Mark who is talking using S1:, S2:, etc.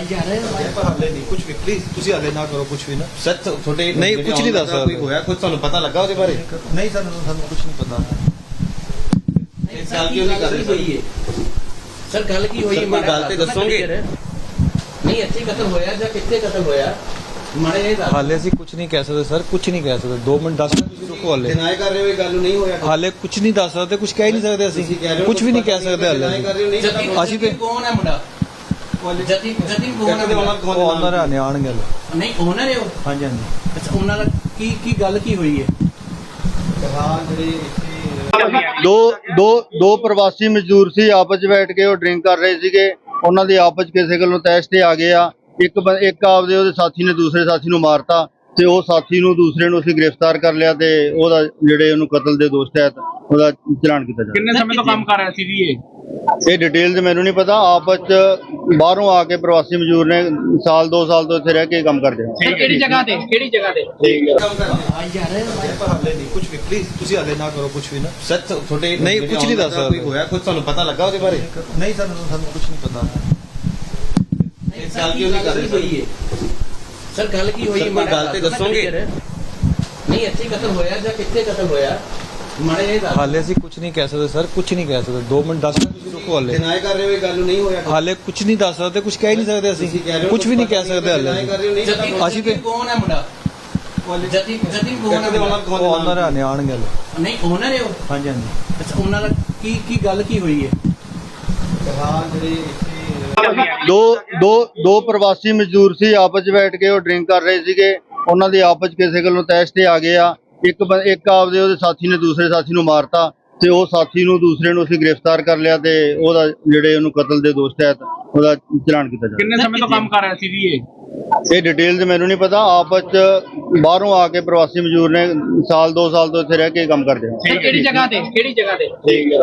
S1: ਪਰ ਹਾਲੇ ਨਹੀਂ ਕੁਝ ਵੀ ਪਲੀਜ਼ ਤੁਸੀਂ ਹਾਲੇ ਨਾ ਕਰੋ ਕੁਝ ਵੀ ਨਾ
S2: ਸਰ ਤੁਹਾਡੇ
S3: ਨਹੀਂ, ਕੁਛ ਨਹੀਂ ਦੱਸ
S2: ਕੋਈ ਹੋਇਆ ਕੁਝ ਤੁਹਾਨੂੰ ਪਤਾ ਲੱਗਾ ਉਹਦੇ ਬਾਰੇ?
S1: ਨਹੀਂ ਸਾਨੂੰ ਕੁਝ ਨਹੀਂ ਪਤਾ
S2: ਗੱਲ ਕਿਉਂ ਨਹੀਂ ਕਰ ਰਹੇ
S4: ਸਰ ਗੱਲ ਕੀ ਹੋਈ
S2: ਸਰ, ਕੋਈ ਗੱਲ ਤੇ ਦੱਸੋਗੇ?
S4: ਨਹੀਂ ਇੱਥੇ ਕਤਲ ਹੋਇਆ ਜਾਂ ਕਿੱਥੇ ਕਤਲ ਹੋਇਆ ਮਾੜੇ ਇਹ ਦੱਸ।
S3: ਹਾਲੇ ਅਸੀਂ ਕੁਝ ਨਹੀਂ ਕਹਿ ਸਕਦੇ ਸਰ, ਕੁਝ ਨਹੀਂ ਕਹਿ ਸਕਦੇ। 2 ਮਿੰਟ 10 ਮਿੰਟ ਤੁਸੀਂ ਰੁਕੋ ਹਾਲੇ।
S2: ਡਿਨਾਈ ਕਰ ਰਹੇ ਹੋ ਇਹ ਗੱਲ ਨਹੀਂ ਹੋਇਆ?
S3: ਹਾਲੇ ਕੁਝ ਨਹੀਂ ਦੱਸ ਸਕਦੇ, ਕੁਝ ਕਹਿ ਨਹੀਂ ਸਕਦੇ ਅਸੀਂ, ਕੁਝ ਵੀ ਨਹੀਂ ਕਹਿ ਸਕਦੇ ਹਾਲੇ। ਅਸੀਂ ਤੇ
S4: ਕੌਣ ਹੈ ਮੁੰਡਾ? ਜਤਿਨ ਕੌਣ ਹੈ?
S3: ਉਹ ਆਨਰ ਆਣਗੇ ਹਾਲੇ।
S4: ਨਹੀਂ ਓਨਰ ਹੈ ਉਹ?
S3: ਹਾਂਜੀ ਹਾਂਜੀ।
S4: ਅੱਛਾ ਉਹਨਾਂ ਦਾ ਕੀ ਗੱਲ ਕੀ ਹੋਈ ਹੈ?
S5: ਦੋ ਪ੍ਰਵਾਸੀ ਮਜ਼ਦੂਰ ਸੀ, ਆਪਸ ਵਿੱਚ ਬੈਠ ਕੇ ਉਹ ਡਰਿੰਕ ਕਰ ਰਹੇ ਸੀਗੇ। ਉਹਨਾਂ ਦੀ ਆਪਸ ਕਿਸੇ ਗੱਲੋਂ ਤੈਸ਼ ਤੇ ਆ ਗਏ ਆ। ਇੱਕ ਆਪਦੇ ਉਹਦੇ ਸਾਥੀ ਨੇ ਦੂਸਰੇ ਸਾਥੀ ਨੂੰ ਮਾਰਤਾ ਤੇ ਉਹ ਸਾਥੀ ਨੂੰ ਦੂਸਰੇ ਨੂੰ ਅਸੀਂ ਗ੍ਰਿਫਤਾਰ ਕਰ ਲਿਆ ਤੇ ਉਹਦਾ ਜਿਹੜੇ ਉਹਨੂੰ ਕਤਲ ਦੇ ਦੋਸ਼ ਤਹਿਤ ਉਹਦਾ ਚਲਾਨ ਕੀਤਾ ਜਾ ਰਿਹਾ।
S6: ਕਿੰਨੇ ਸਮੇਂ ਤੋਂ ਕੰਮ ਕਰ ਰਿਹਾ ਸੀ ਜੀ
S5: ਇਹ ਡਿਟੇਲ ਤੇ ਮੈਨੂੰ ਨਹੀਂ ਪਤਾ। ਆਪਸ ਚ ਬਾਹਰੋਂ ਆ ਕੇ ਪ੍ਰਵਾਸੀ ਮਜ਼ਦੂਰ ਨੇ ਸਾਲ 2 ਸਾਲ ਤੋਂ ਇੱਥੇ ਰਹਿ ਕੇ ਕੰਮ ਕਰਦੇ ਆ।
S6: ਕਿਹੜੀ ਜਗ੍ਹਾ ਤੇ
S1: ਪਰ ਹਾਲੇ ਨਹੀਂ ਕੁਝ ਵੀ ਪਲੀਜ਼ ਤੁਸੀਂ ਹਾਲੇ ਨਾ ਕਰੋ ਕੁਝ ਵੀ ਨਾ
S2: ਸਰ ਤੁਹਾਡੇ
S3: ਨਹੀਂ, ਕੁਛ ਨਹੀਂ ਦੱਸ ਸਕਦੇ।
S2: ਕੋਈ ਹੋਇਆ ਕੁਝ ਤੁਹਾਨੂੰ ਪਤਾ ਲੱਗਾ ਉਹਦੇ ਬਾਰੇ?
S1: ਨਹੀਂ ਸਾਨੂੰ ਕੁਝ ਨਹੀਂ ਪਤਾ
S2: ਗੱਲ ਕਿਉਂ ਨਹੀਂ ਕਰ ਰਹੇ
S4: ਸਰ ਗੱਲ ਕੀ ਹੋਈ?
S2: ਸਰ, ਕੋਈ ਗੱਲ ਤੇ ਦੱਸੋਗੇ?
S4: ਨਹੀਂ ਇੱਥੇ ਕਤਲ ਹੋਇਆ ਜਾਂ ਕਿੱਥੇ ਕਤਲ ਹੋਇਆ ਮਾੜੇ ਇਹ ਦੱਸ।
S3: ਹਾਲੇ ਅਸੀਂ ਕੁਝ ਨਹੀਂ ਕਹਿ ਸਕਦੇ ਸਰ, ਕੁਝ ਨਹੀਂ ਕਹਿ ਸਕਦੇ। 2 ਮਿੰਟ 10 ਮਿੰਟ ਤੁਸੀਂ ਰੁਕੋ ਹਾਲੇ।
S2: ਡਿਨਾਈ ਕਰ ਰਹੇ ਹੋ ਇਹ ਗੱਲ ਨਹੀਂ ਹੋਇਆ?
S3: ਹਾਲੇ ਕੁਝ ਨਹੀਂ ਦੱਸ ਸਕਦੇ, ਕੁਝ ਕਹਿ ਨਹੀਂ ਸਕਦੇ ਅਸੀਂ, ਕੁਝ ਵੀ ਨਹੀਂ ਕਹਿ ਸਕਦੇ ਹਾਲੇ। ਅਸੀਂ ਤੇ
S4: ਕੌਣ ਹੈ ਮੁੰਡਾ? ਜਤਿਨ ਕੌਣ ਹੈ?
S3: ਉਹ ਆਨਰ ਆਣਗੇ ਹਾਲੇ।
S4: ਨਹੀਂ ਓਨਰ ਹੈ ਉਹ?
S3: ਹਾਂਜੀ ਹਾਂਜੀ।
S4: ਅੱਛਾ ਉਹਨਾਂ ਦਾ ਕੀ ਗੱਲ ਕੀ ਹੋਈ ਹੈ?
S5: ਦੋ ਪ੍ਰਵਾਸੀ ਮਜ਼ਦੂਰ ਸੀ, ਆਪਸ ਵਿੱਚ ਬੈਠ ਕੇ ਉਹ ਡਰਿੰਕ ਕਰ ਰਹੇ ਸੀਗੇ। ਉਹਨਾਂ ਦੀ ਆਪਸ ਕਿਸੇ ਗੱਲੋਂ ਤੈਸ਼ ਤੇ ਆ ਗਏ ਆ। ਇੱਕ ਆਪਦੇ ਉਹਦੇ ਸਾਥੀ ਨੇ ਦੂਸਰੇ ਸਾਥੀ ਨੂੰ ਮਾਰਤਾ ਤੇ ਉਹ ਸਾਥੀ ਨੂੰ ਦੂਸਰੇ ਨੂੰ ਅਸੀਂ ਗ੍ਰਿਫਤਾਰ ਕਰ ਲਿਆ ਤੇ ਉਹਦਾ ਜਿਹੜੇ ਉਹਨੂੰ ਕਤਲ ਦੇ ਦੋਸ਼ ਤਹਿਤ ਉਹਦਾ ਚਲਾਨ ਕੀਤਾ ਜਾ ਰਿਹਾ।
S6: ਕਿੰਨੇ ਸਮੇਂ ਤੋਂ ਕੰਮ ਕਰ ਰਿਹਾ ਸੀ ਜੀ
S5: ਇਹ ਡਿਟੇਲ ਤੇ ਮੈਨੂੰ ਨਹੀਂ ਪਤਾ। ਆਪਸ ਚ ਬਾਹਰੋਂ ਆ ਕੇ ਪ੍ਰਵਾਸੀ ਮਜ਼ਦੂਰ ਨੇ ਸਾਲ 2 ਸਾਲ ਤੋਂ ਇੱਥੇ ਰਹਿ ਕੇ ਕੰਮ ਕਰਦੇ ਆ।
S6: ਕਿਹੜੀ ਜਗ੍ਹਾ ਤੇ